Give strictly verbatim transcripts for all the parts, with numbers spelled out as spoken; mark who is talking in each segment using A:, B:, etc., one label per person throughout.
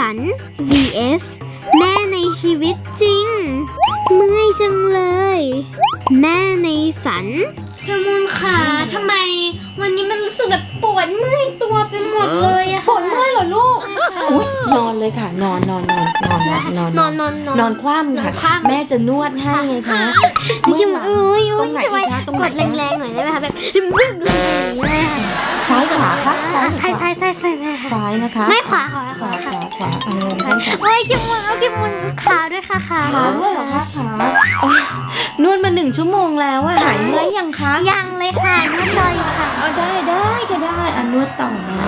A: ฝัน วี เอส แม่ในชีวิตจริงเมื่อยจังเลยแม่ในฝันจมูนขาทำไมวันนี้มันรู้สึกแบบปวดเมื่อยตัวไปหมดเลยอะ
B: ปวดเมื่อยเหรอลูกอุ๊ยนอนเลยค่ะนอนนอนนอนนอนนอน
A: นอนนอนนอน
B: นอนคว่ำค่ะแม่จะนวดให้ไงคะ
A: นี่คิดว่าเอ้ย
B: ตรงไหนอีกคะตรงไหน
A: กดแรงๆหน่อยได้ไหมคะแบบบึ้งเลยค่ะ
B: ซ้ายขวาคะ
A: ใช่ใช่ใช่ใช่
B: ซ้ายนะคะ
A: ไม่ขวาขวา
B: ขวาขวาขวาเออใช่ค่ะ
A: โอ้ยคิมมุนเอาคิมมุนขาด้วยค่ะขา
B: ขาด้วยเหรอคะขาโอ๊ยนวดมาหนึ่งชั่วโมงแล้วอะหายเมื่อยยังคะ
A: ยังเลยค่ะนวดเลยค่ะ
B: เอาได้ได้ก็ได้อ่ะนวดต่อนะ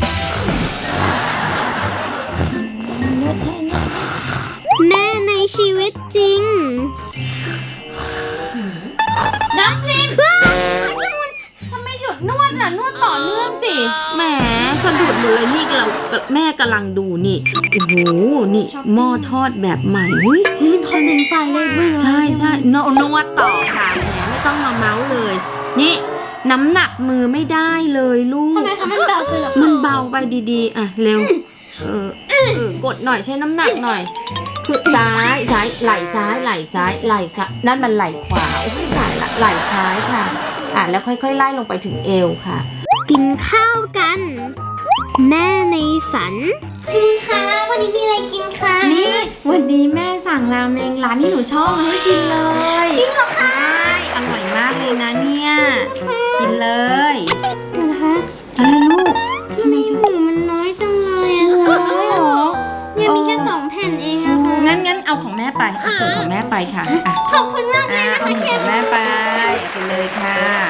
B: นวดให้นะ
A: แม่ในชีวิตจริง
B: น้ำพิมทำไมหยุดนวดน่ะนวดต่อเนื่องสิแหมสะดุดเลยนี่เราแม่กำลังดูนี่โอ้โหนี่หม้อทอดแบบใหม่อุ๊ย
A: นี่มันทอนหนึ่งไปเลยเว้ย
B: ใช่ใช่นนวดต่อค่ะแหมไม่ต้องมาเมาส์เลย นี่น้ำหนักมือไม่ได้เลยลูก
A: ทำไมคะมันเบาคือหรอ
B: มันเบาไปดีๆอ่ะเร็วเออเออกดหน่อยใช้น้ำหนักหน่อยคือซ้ายซ้ายไหล่ซ้ายไหล่ซ้ายไหล่ซ้ายนั่นมันไหล่ขวาโอ้ยตายละไหล่ซ้ายค่ะอ่ะแล้วค่อยๆไล่ลงไปถึงเอวค่ะ
A: กินข้าวกัน แม่ในฝันคุณคะวันนี้มีอะไรกินคะ
B: นี่วันนี้แม่สั่งราเมงร้านที่หนูชอบมาให้กินเลย
A: จริงเหรอคะ
B: ใช่อร่อยมากเลยนะเนี่ยกินเลย
A: เดี๋ยวนะคะ
B: อะไรลูก
A: ทำไมหมูมันน้อยจังเลยอะคะ
B: น้อยเหรอ
A: เนี่ยมีแค่สองแผ่นเองอะค่ะ
B: งั้นงั้นเอาของแม่ไปเอาส่วนของแม่ไปค่ะอ่ะ
A: ขอบคุณมากเลย
B: อ่ะ
A: นะ
B: เอา
A: คะ
B: ของแม่ไปไปเลยค่ะ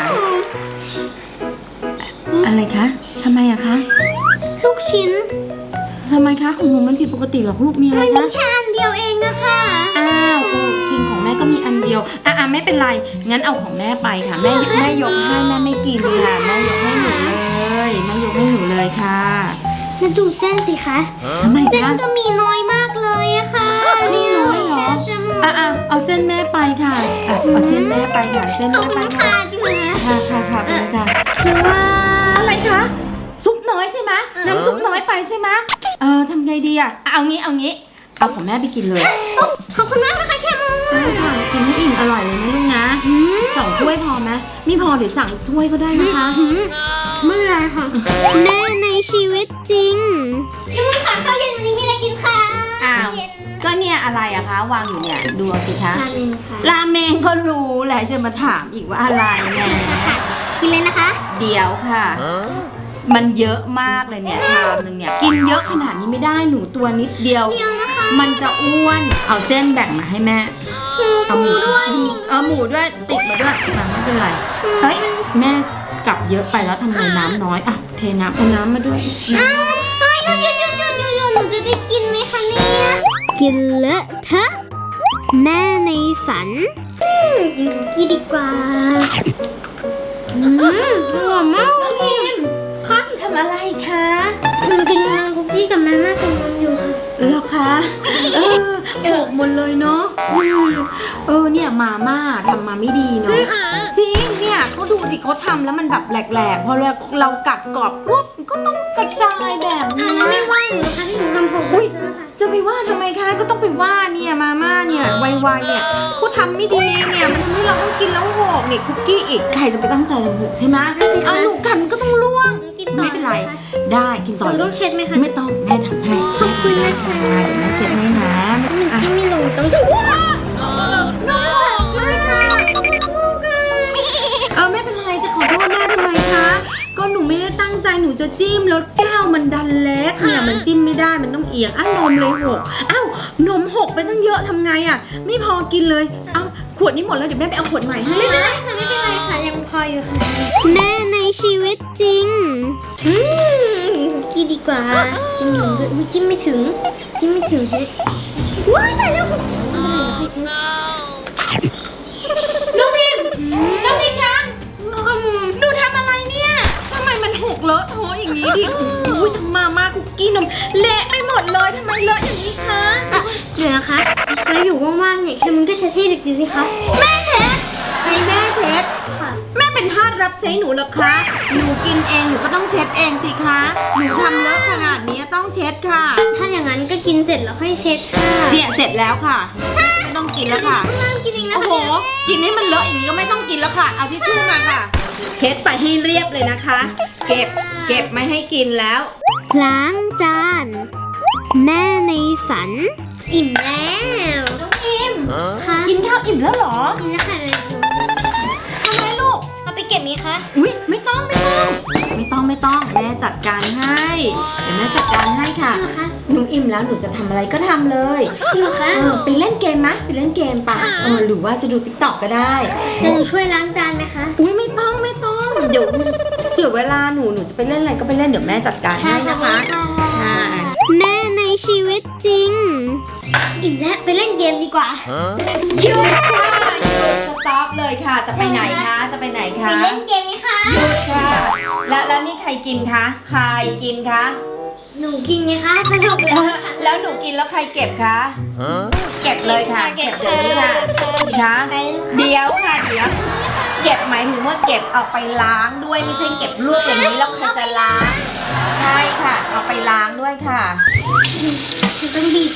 B: อะไรคะทำไมอะคะ
A: ลูกชิ้น
B: ทำไมคะของหนูมันผิดปกติเหรอลูกมีอะไร
A: มันมี
B: คะ
A: แค่อันเดียวเองนะคะ
B: อ้าวจริงของแม่ก็มีอันเดียวอ่ะอ่ะไม่เป็นไรงั้นเอาของแม่ไปค่ะแม่แม่ยกให้แม่ไม่กินค่ะแม่ยกให้หนูเลยแม่ยกให้หนูเลยค่ะ
A: มาดูเส้นสิคะ
B: ทำไม
A: เส้น
B: คะ
A: ก็มีน้อยมากเลยอะค่ะ
B: นี่น้อยเหรอ
A: จะหมด
B: อ่ะอ่ะเอาเส้นแม่ไปค่ะอ่ะเอาเส้นแม่ไปค่ะเส้น
A: ขอบ
B: แม่
A: คุ
B: ไป
A: ณ
B: ค่ะ
A: ค่ะจริงเหรอคะ
B: ค่ะค่ะค่ะไปเลยค่ะ
A: คือว่า
B: อะไรคะซุปน้อยใช่ไหมน้ำซุปน้อยไปใช่ไหมเออทำไงดีอ่ะเอางี้เอางี้เอาของแม่ไปกินเลย
A: ขอบคุณมากนะคะแคมู
B: ใช่ค่ะกินให้อิ่มอร่อยเลยนะลูกนะสองถ้วยพอไหมไม่พอเดี๋ยวสั่งอีกถ้วยก็ได้นะคะ
A: ไม่เป็นไรค่ะแม่ในชีวิตจริงแคมูค่ะข้าวเย็นวันนี้มีอะไรกินคะ
B: อ้าวก็เนี่ยอะไรอะคะวางอยู่เนี่ยดูเอาสิคะ
A: ราเมงค่ะ
B: ราเมงก็รู้แหละจะมาถามอีกว่าอะไรแหม
A: กินเลยนะคะ
B: เดี๋ยวค่ะ มันเยอะมากเลยเนี่ยชามนึงเนี่ยกินเยอะขนาดนี้ไม่ได้หนูตัวนิดเดียว
A: เดียวนะคะ
B: มันจะอ้วนเอาเส้นแบ่งมาให้แม่เอาหมูด้วยเอาหมูด้วยติดมาด้วยอ่ะไม่เป็นไรเฮ้ยแม่กลับเยอะไปแล้วทำไมน้ำน้อยอ่ะเทน้ำเอาน้ำมาด้วย
A: อ้าวเฮ้ยหยุดหยุดหยุดหยุดหยุดหยุดหนูจะได้กินไหมคะเนี่ยกินเลอะเทอะแม่ในฝันกินคุกกี้ดีกว่าอืมอร่อยมาก
B: น้องพิมคะทำอะไรคะ
A: หนูกินน้ำคุกกี้กับมาม่ากับนมอยู่ค่ะ
B: เหรอคะเออโขกหมดเลยเนาะอืมเออเนี่ยมาม่าทำมาไม่ดีเนาะจริงเนี่ยเขาดูสิเขาทำแล้วมันแบบแหลกๆพอเราเรากัดกรอบปุ๊บก็ต้องกระจายแบบนี้
A: ไม่ว่าหนูนะคะที่หนูทำผม
B: อุ๊ย
A: นะคะ
B: จะไปว่าทำไมคะก็ต้องไปว่าเนี่ยมาม่าเนี่ยไวๆเนี่ยเขาทำไม่ดีเนี่ยมันทำให้เราต้องกินแล้วหกเนี่ยคุกกี้อีกใครจะไปตั้งใจทำหกใช่ไหมเอาหนูกันก็ต้องล่วง
A: กินต่อ
B: ไม่เป็นไรได้กิน
A: ห
B: ต่อ
A: นู
B: เล
A: ต้อย งเช็ดไหมคะ
B: ไม่ต้องแม่ทำให้
A: ขอบคุณนะคะ
B: แม่เช็ดให้นะ
A: หนู
B: อ่ะ
A: จิ้มไม่ลงต้องว้าวน้องเลยค่ะ
B: เออไม่เป็นไรจะขอโทษแม่ทำไมคะก็หนูไม่ได้ตั้งใจหนูจะจิ้มแล้วแก้วมันดันเล็กเนี่ยมันจิ้มไม่ได้มันต้องเอียงอ้าวนมเลยหกอ้าวนมหกไปตั้งเยอะทำไงอ่ะไม่พอกินเลยเอ้าขวดนี้หมดแล้วเดี๋ยวแม่ไปเอาขวดใหม่ให้
A: ไม่เป็นไรค่ะไม่เป็นไรค่ะยังพออยู่ค่ะแม่ในชีวิตจริงอืมคุกกี้ดีกว่าจิ้มหนูด้วยอุ๊ยจิ้มไม่ถึงจิ้มไม่ถึงเฮ้ยว้ายตายแล้วไม่เป็นไรค่อยเช็ด
B: น้องพิมน้องพิมคะ
A: น้องขมู
B: หนูทำอะไรเนี่ยทำไมมันหกเลอะเทอะอย่างนี้ดิอุ้ยทำมาม่าคุกกี้นมเละไปหมดเลยทำไมเลอะอย่างนี้คะ
A: เดี๋ยวนะคะแล้วอยู่ว่างๆเนี่ยแค่มันก็เช็ดให้เด็กจิ๋วสิคะแม่เช็ด
B: ให้แม่เช็ด
A: ค่ะ
B: แม่เป็นทาสรับใช้หนูเหรอคะ หนูกินเองหนูก็ต้องเช็ดเองสิคะ หนูทำเลอะขนาดนี้ต้องต้องเช็ดค่ะ
A: ถ้าอย่างนั้นก็กินเสร็จแล้วค่อยเช็ดค่ะ
B: เนี่ยเสร็จแล้วค่ะไม่ต้องกินแล้วค่ะ
A: เริ่มกินเองนะ
B: โอ้
A: คะ
B: โหกินให้มันเลอะอย่างนี้ก็ไม่ต้องกินแล้วค่ะเอาทิชชู่มาค่ะ เช็ดไปให้เรียบเลยนะคะ เก็บเก็บไม่ให้กินแล้ว
A: ล้างจาน แม่ในฝัน อิ่มแล้ว
B: น้องพิม
A: ค่ะ
B: กินข้าวอิ่มแล้วเหรอ
A: กินแล้วค่ะ
B: ทำไมลูก
A: เอาไปเก็บไหมคะ
B: อุ้ยไม่ต้องไม่ต้องไม่ต้องไม่ต้องแม่จัดการให้เดี๋ยวแม่จัดการให้ค่ะ
A: จริงเหรอคะ
B: หนูอิ่มแล้วหนูจะทำอะไรก็ทำเลย
A: จริงเหรอคะ
B: เออไปเล่นเกมมะไปเล่นเกมปะเออหรือว่าจะดูติ๊กต็อกก็ได้
A: เดี๋ยวหนูช่วยล้างจานไหมคะ
B: อุ้ยไม่ต้องไม่ต้องเดี๋ยวเสียเวลาหนูหนูจะไปเล่นอะไรก็ไปเล่นเดี๋ยวแม่จัดการให้นะคะค่ะ
A: แม่ในชีวิตจริง อิ่มแล้วไปเล่นเกมดีกว่า
B: หยุดค่ะหยุดสต็อปเลยค่ะ จะไปไหนคะจะไปไหน
A: ไป
B: คะ
A: เล่นเกมไหมคะ
B: หยุดค่ะแล้วแล้วนี่ใครกินคะใครกินคะ
A: หนูกินไงคะสนุกเลยค่ะ
B: แล้วหนูกินแล้วใครเก็บคะเก็บเลยค่ะเก็บเดี๋ยวนี้ค่ะคะ
A: ไป
B: เดี๋ยวค่ะเดี๋ยวเก็บหมายถึงว่าเก็บเอาไปล้างด้วยไม่ใช่เก็บลวกอย่างนี้แล้วใครจะล้างใช่ค่ะเอาไปล้างด้วยค่ะ
A: ฉันต้องบีบ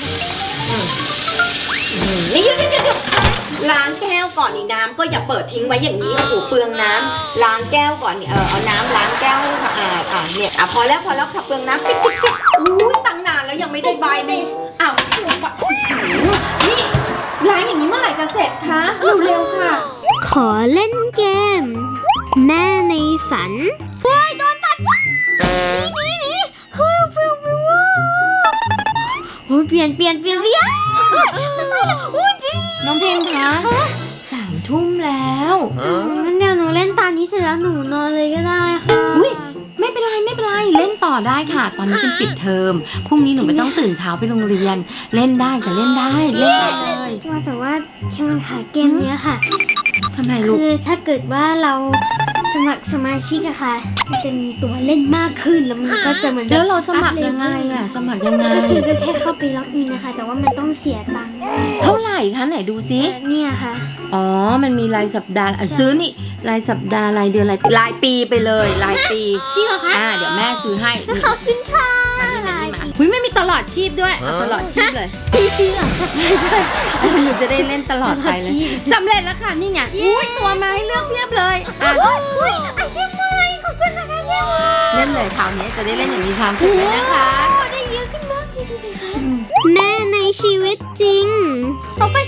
B: นี่หยุดหยุดหยุดหยุดล้างแก้วก่อนนี่น้ำก็อย่าเปิดทิ้งไว้อย่างนี้โอ้โหเปลืองน้ำล้างแก้วก่อนนี่เออเอาน้ำล้างแก้วให้สะอาดอ่ะเนี่ยอ่ะพอแล้วพอแล้วค่ะเปลืองน้ำติ๊กติ๊กติ๊กอุ้ยตั้งนานแล้วยังไม่ได้ใบเลยอ้าวถูกปะโอ้โหนี่ล้างอย่างนี้เมื่อไหร่จะเสร็จคะเร็วๆค่ะ
A: ขอเล่นเกม แม่ในฝันเฮ้ยโดนตัดนี่นี่นี่เฮ้ยเปลี่ยนเปลี่ยนโอ้ยเปลี่ยนเปลี่ยนเปลี่ยนสิอ่ะโอ้ยจริง
B: น้องเพลงคะสามทุ่มแล้ว
A: งั้นเดี๋ยวหนูเล่นตานี้เสร็จแล้วหนูนอนเลยก็ได้ค่ะ
B: อุ้ยไม่เป็นไรไม่เป็นไรเล่นต่อได้ค่ะ ตอนนี้เป็นปิดเทอมพรุ่งนี้หนูไม่ต้องตื่นเช้าไปโรงเรียน เล่นได้ค่ะเล่นได้เล่นได้เลย
A: ว่าแต่ว่าแค่มันค่ะเกมเนี้ยค่ะ
B: ทำไมลูก
A: คือถ้าเกิดว่าเราสมัครสมาชิกอะค่ะ มันจะมีตัวเล่นมากขึ้นแล้วมันก็จะเหมือนแบบ
B: แล้วเราสมัครยังไงอ่ะสมัครยังไง
A: ก็คือก็แค่เข้าไปล็อกอินนะคะ แต่ว่ามันต้องเสียตังค์
B: เท่าไหร่คะไหนดูซิ
A: เนี่ยค่ะ
B: อ๋อมันมีรายสัปดาห์อ่ะซื้อนี่รายสัปดาห์รายเดือนรายรายปีไปเลยรายปี
A: จริงเหรอคะ
B: อ่าเดี๋ยวแม่ซื้อให้นี่
A: ขอบคุณค่ะ
B: มานี่มานี่มาหุ้ยไม่มีตลอดชีพด้วยเอาตลอดชีพเลย
A: พี่เชื่อ
B: หนูจะได้เล่นตลอดไปเลยสำเร็จแล้วค่ะนี่ไงอุ้ยตัวมาให้เลือกเพียบเลยอ่ะ
A: อุ้ยไอเทมใหม่ขอบคุณนะคะเทมใหม่
B: เล่นเลยคราวนี้จะได้เล่นอย่างมีความสุขเลยนะคะ
A: ได้เยอะขึ้นมากเลยดูสิคะแม่ในชีวิตจริงต่อไป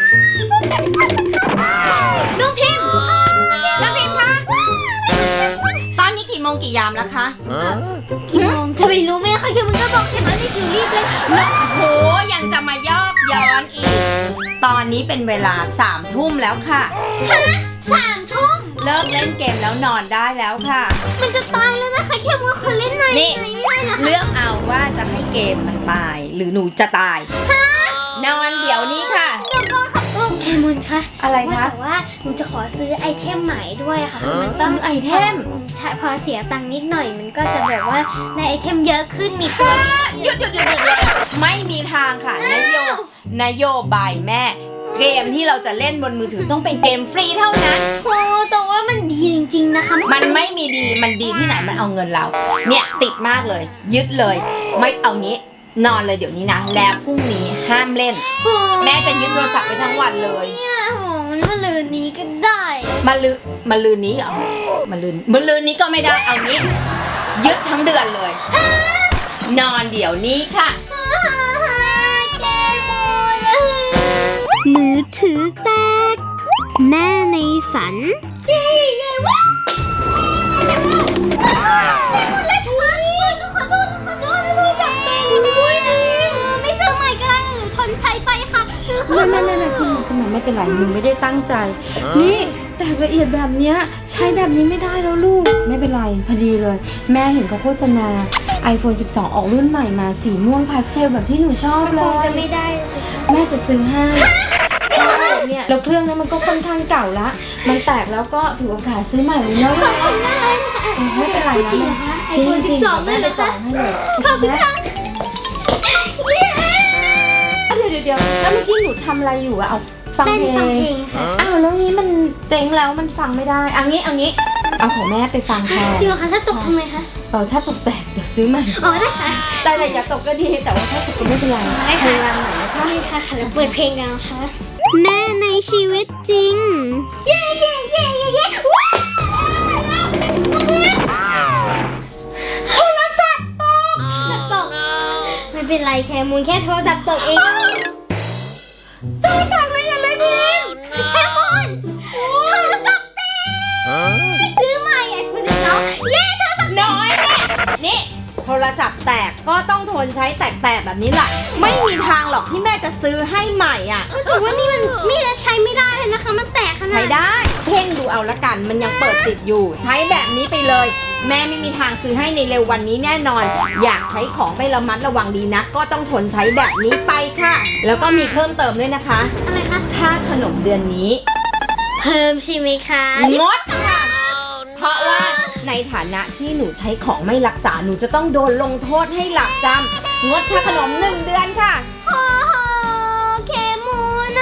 B: น้องพิมพ์น้องพิมพ์คะตอนนี้กี่โมงกี่ยามแล้วคะ
A: กี่โมงจะไปรู้ไหมคะคือมันก็บอกเห็นไหมนี่คือรีบเลย
B: โหยังจะมายอกย้อนอีก ตอนนี้เป็นเวลาสามทุ่มแล้วค่ะ
A: สามทุ่ม
B: เลิกเล่นเกมแล้วนอนได้แล้วค่ะ
A: มันจะตายแล้วนะคะแค่มัวคนเล่นหน่อย
B: นี่
A: ไม่ได้เหรอคะ
B: เลือกเอาว่าจะให้เกมมันตาย หรือหนูจะตาย นอนเดี๋ยวนี้ค่ะ
A: เดี๋ยวก่อนค่ะโอ้แคมุนคะ
B: อะไรคะ
A: ว่าแต่ว่าหนูจะขอซื้อไอเทมใหม่ด้วยอะค่ะมันต้อง
B: ซื้อไอเทม
A: ใช่พอเสียตังค์นิดหน่อยมันก็จะแบบว่าในไอเทมเยอะขึ้นมีตัว
B: หยุดหยุดหยุดหยุดเลยไม่มีทางค่ะนโยนโยบายแม่ เกมที่เราจะเล่นบนมือถือต้องเป็นเกมฟรีเท่านั้น
A: โอ้แต่ว่ามันดีจริงๆนะคะ
B: มันไม่มีดีมันดีที่ไหนมันเอาเงินเรา เนี่ยติดมากเลย ยึดเลย ไม่เอางี้ นอนเลยเดี๋ยวนี้นะ แล้วพรุ่งนี้ห้ามเล่น
A: โอ้
B: แม่จะยึดโทรศัพท์ไปทั้งวันเลย
A: เนี่ยโหมันมาลืนนี้ก็ได้
B: มาลือมาลืนนี้เหรอมาลืนมาลืนนี้ก็ไม่ได้เอางี้ ยึดทั้งเดือนเลย นอนเดี๋ยวนี้ค่ะ
A: แกโมเลยมือถือแตก แม่ในฝันเย้เย้ว้าวอะไรกันวะขอโทษขอโทษไม่รู้จักเป็นอุ้ยไม่ซื้อใหม่ก็ได้หรือทนใช้ไปค่ะคือขอ
B: ไม่ไม่ไม่ไม่คุณหมอคุณหมอไม่เป็นไรหนูไม่ได้ตั้งใจ นี่แต่ละเอียดแบบเนี้ยใช้แบบนี้ไม่ได้แล้วลูก ไม่เป็นไรพอดีเลย แม่เห็นเขาโฆษณา ไอโฟนสิบสอง ออกรุ่นใหม่มาสีม่วงพาสเทลแบบที่หนูชอบเล
A: คง
B: ย
A: จะไม่ได้สิคะ
B: แม่จะซื้อให้เนี่ยแล้วเครื่องนั้นมันก็ค่อนข้างเก่าละ มันแตกแล้วก็ถือโอกาสซื้อใหม่เลยเนาะ
A: ขอบคุณมากเลยค่ะ
B: ไม่เป็นไรนะ
A: จริงเหรอคะไอโฟน
B: จริ
A: สิ
B: ง
A: บ
B: ๆ
A: สองเลยเหรอ
B: แม่จะจ
A: คะ
B: องให้เลย
A: ขอบคุณค่ะเย้
B: เดี๋ยวเดี๋ยวเดี๋ยวแล้วเมื่อกี้หนูทำอะไรอยู่อะเอาฟัง
A: เต้น
B: เพล
A: ฟัง
B: ง
A: เพลงค่ะ
B: อ้าวแล้วงี้มันเต็งแล้วมันฟังไม่ได้เอันนี้เอันนี้เอาของแม่ไปฟังแทน
A: จริงเหรอคะถ้าตกทำไมคะ
B: เออถ้าตกแตกเดี๋ยวซื้อใหม่
A: อ๋อได้ค่ะ
B: แต่แต่อย่าตกก็ดีแต่ว่าถ้าตกก็ไม่เป็นไร
A: ได้
B: พ
A: ค่ะ
B: ยายามหน่อยนะคะ
A: นี่ค่ะค่ะแล้วเปิดเพลงกันนะคะแม่ในชีวิตจริงเย้เย้เย้เย้เย้ว้าวโทรศัพท์ตกตกไม่เป็นไรแค่มูลแค่โทรศัพท์ตกเองโทรศัพท์อะไรอย่างไรพิมแค่มูลโทรศัพท์แตกซื้อใหม่ไอโฟนสิบสองเย้โทรศัพท์น้อยแม่
B: นี่โทรศัพท์แตกก็ต้องทนใช้แตกๆแบบนี้แหละไม่มีทางหรอกที่แม่จะซื้อให้ใหม่อ่ะ
A: แต่ว่านี่มันไม่ได้ใช้ไม่ได้เลยนะคะ มันแตกขนาด
B: ใช้ได้เพ่งดูเอาละกันมันยังเปิดติดอยู่ ใช้แบบนี้ไปเลย แม่ไม่มีทางซื้อให้ในเร็ววันนี้แน่นอน อยากใช้ของไม่ระมัดระวังดีนะก็ต้องทนใช้แบบนี้ไปค่ะ แล้วก็มีเพิ่มเติมด้วยนะคะ
A: อะไรคะ
B: ค่าขนมเดือนนี้
A: เพิ่มใช่ไหมคะ
B: งดค่ะ เพราะว่าในฐานะที่หนูใช้ของไม่รักษาหนูจะต้องโดนลงโทษให้หลับจำงดค่าขนมหนึ่งเดือนค่ะ
A: โอ้โหเคมูนะ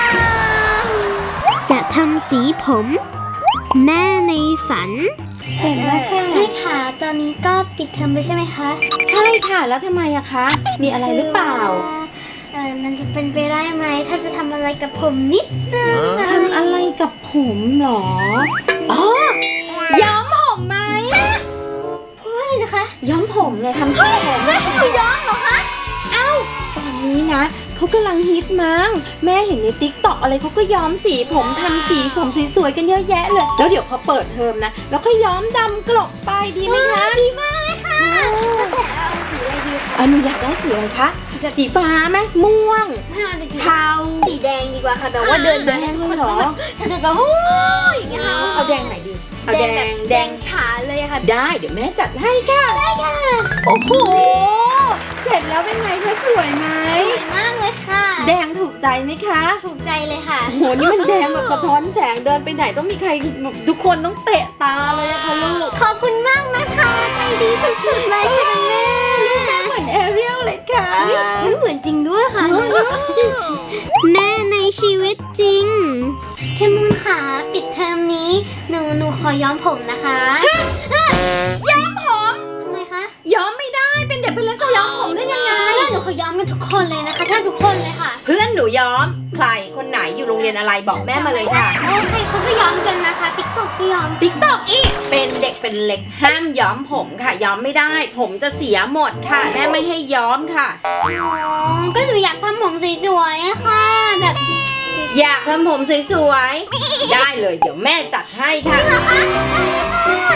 A: จะทำสีผม แม่ในฝัน
B: เห็นแล้วค่ะ
A: แม่ค่ะ ตอนนี้ก็ปิดเทอมไปใช่ไหมคะ
B: ใช่ค่ะแล้วทำไมอะคะ มีอะไรหรือเปล่า
A: เออมันจะเป็นไปได้ไหมถ้าจะทำอะไรกับผมนิดนึง
B: ทำอะไรกับผมเหรอ อ๋อ ย้อมผมไหม
A: เพราะว่าอะไรนะคะ
B: ย้อมผมไงทำสีผม
A: แม่ให้หนูย้อมเหรอคะ
B: ตอนนี้นะเขากำลังฮิตมั้งแม่เห็นในติ๊กต็อกอะไรเขาก็ย้อมสีผมทำสีผมสวยๆกันเยอะแยะเลย แล้วเดี๋ยวพอเปิดเทอมนะ แล้วก็ย้อมดำกลบไปดีไหมคะ
A: ดีมากเลยค่ะแต่เอาสีอะไรดีคะ
B: อันนี้อยากได้สีอะไรคะ สีฟ้าไหมม่วง
A: ไม่เอาดีกว่า
B: เทา
A: สีแดงดีกว่าค่ะแบบว่าเดินมา
B: แดง
A: ทุกคน
B: เหรอ
A: ต้องแบบฉันจะแบบโอ้ยอย่างเงี้ยค่ะ
B: เอาแดงไหนดี เอาแด
A: แบบ
B: ง
A: แดงฉาเลยอะค่ะ
B: ได้เดี๋ยวแม่จัดให้ค่ะ
A: ได้ค่ะ
B: โอ้โห เสร็จแล้วเป็นไงคะสวยไหม
A: สวยมากเลยค่ะ
B: แดงถูกใจไหมคะ
A: ถูกใจเลยค่ะ
B: โอ้โห นี่มันแดงแบบสะท้อนแสงเดินไปไหนต้องมีใครแบบทุกคนต้องเตะตาเลยอะค่ะลูก
A: ขอบคุณมากนะคะใจดีสุดๆเลยค่ะแม่
B: เหมือนแอเรียลเลยค่ะ
A: ไม่เหมือนจริงด้วยค่ะ แม่ในชีวิตจริงเคมูนค่ะปิดเทอมนี้หนูหนูขอย้อมผมนะคะ
B: ย้อมผม
A: ทำไมคะ
B: ย้อมไม่ได้เป็นเด็กเป็นเล็กจะย้อมผมได้ยังไง
A: แม่หนูขอย้อมกันทุกคนเลยนะคะแทบทุกคนเลยค่ะ
B: เพื่อนหนูย้อม ใครคนไหนอยู่โรงเรียนอะไรบอกแม่มาเลยค่ะ
A: โอ้ใครเขาก็ย้อมกันนะคะติ๊กต็อกก็ย้อม
B: ติ๊กตอกอีกเป็นเด็กเป็นเล็กห้ามย้อมผมค่ะ ย้อมไม่ได้ ผมจะเสียหมดค่ะ แม่ไม่ให้ย้อมค่ะ
A: อ๋อก็หนูอยากทำผมสวยๆอะค่ะแบบ
B: อยากทำผมสวยๆ ได้เลยเดี๋ยวแม่จัดให้ค่ะ
A: เหรอคะได้เลยค่ะ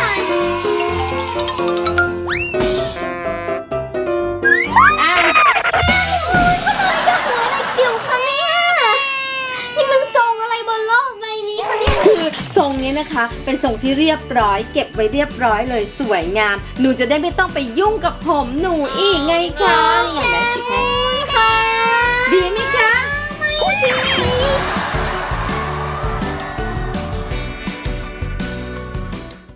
B: อ่ะ
A: หัวอะไรจิ๋วคะเนี่ยนี่มันทรงอะไรบนโลกใบนี้คะเนี่ย
B: คือทรงนี้นะคะ เป็นทรงที่เรียบร้อย เก็บไว้เรียบร้อยเลยสวยงาม หนูจะได้ไม่ต้องไปยุ่งกับผมหนูอีกไงคะอย่างนั้นสิคะ
A: ค่ะ